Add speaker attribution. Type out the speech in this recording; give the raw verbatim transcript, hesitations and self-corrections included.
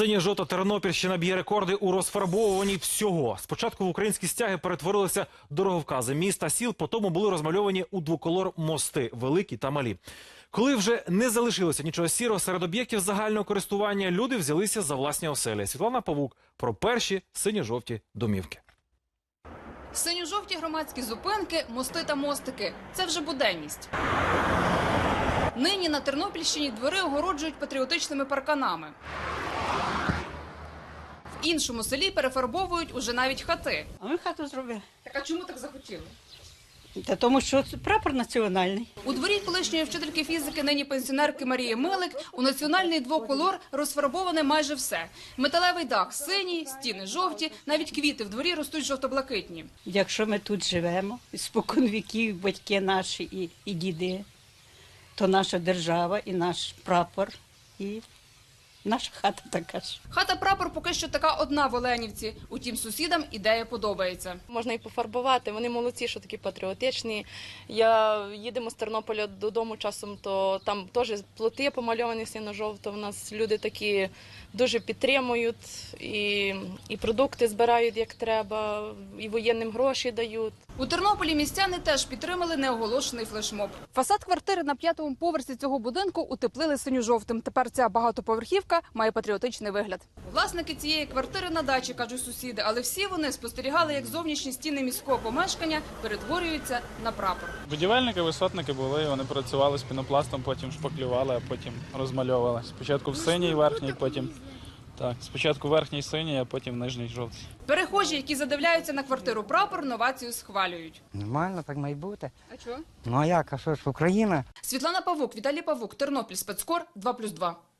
Speaker 1: Синьо-жовта Тернопільщина б'є рекорди у розфарбовуванні всього. Спочатку в українські стяги перетворилися дороговкази міст та сіл, потім були розмальовані у двоколор мости – великі та малі. Коли вже не залишилося нічого сірого серед об'єктів загального користування, люди взялися за власні оселі. Світлана Павук про перші синьо-жовті домівки.
Speaker 2: Синьо-жовті громадські зупинки, мости та мостики – це вже буденність. Нині на Тернопільщині двори огороджують патріотичними парканами. В іншому селі перефарбовують уже навіть хати.
Speaker 3: А ми хату зробили.
Speaker 2: Так а чому так захотіли?
Speaker 3: Та тому що це прапор національний.
Speaker 2: У дворі колишньої вчительки фізики, нині пенсіонерки Марії Милик, у національний двоколор розфарбоване майже все. Металевий дах синій, стіни жовті, навіть квіти в дворі ростуть жовто-блакитні.
Speaker 3: Якщо ми тут живемо, спокон віків, батьки наші і, і діди, то наша держава і наш прапор, і наша хата така ж.
Speaker 2: Хата-прапор поки що така одна в Оленівці. Утім, сусідам ідея подобається.
Speaker 4: Можна і пофарбувати, вони молодці, що такі патріотичні. Я їдемо з Тернополя додому часом, то там теж плоти помальовані синьо-жовто. У нас люди такі дуже підтримують, і, і продукти збирають як треба, і воєнним гроші дають.
Speaker 2: У Тернополі містяни теж підтримали неоголошений флешмоб. Фасад квартири на п'ятому поверсі цього будинку утеплили синьо-жовтим. Тепер ця багатоповерхівка має патріотичний вигляд. Власники цієї квартири на дачі, кажуть сусіди, але всі вони спостерігали, як зовнішні стіни міського помешкання перетворюються на прапор.
Speaker 5: Будівельники, висотники були, вони працювали з пінопластом, потім шпаклювали, а потім розмальовували. Спочатку в синій верхній, потім так, спочатку верхній синій, а потім нижній жовтий.
Speaker 2: Перехожі, які задивляються на квартиру прапор, новацію схвалюють.
Speaker 6: Нормально, так має бути.
Speaker 2: А чого?
Speaker 6: Ну а як, а що ж, Україна?
Speaker 2: Світлана Павук, Віталій Павук, Тернопіль, спецкор, два плюс два.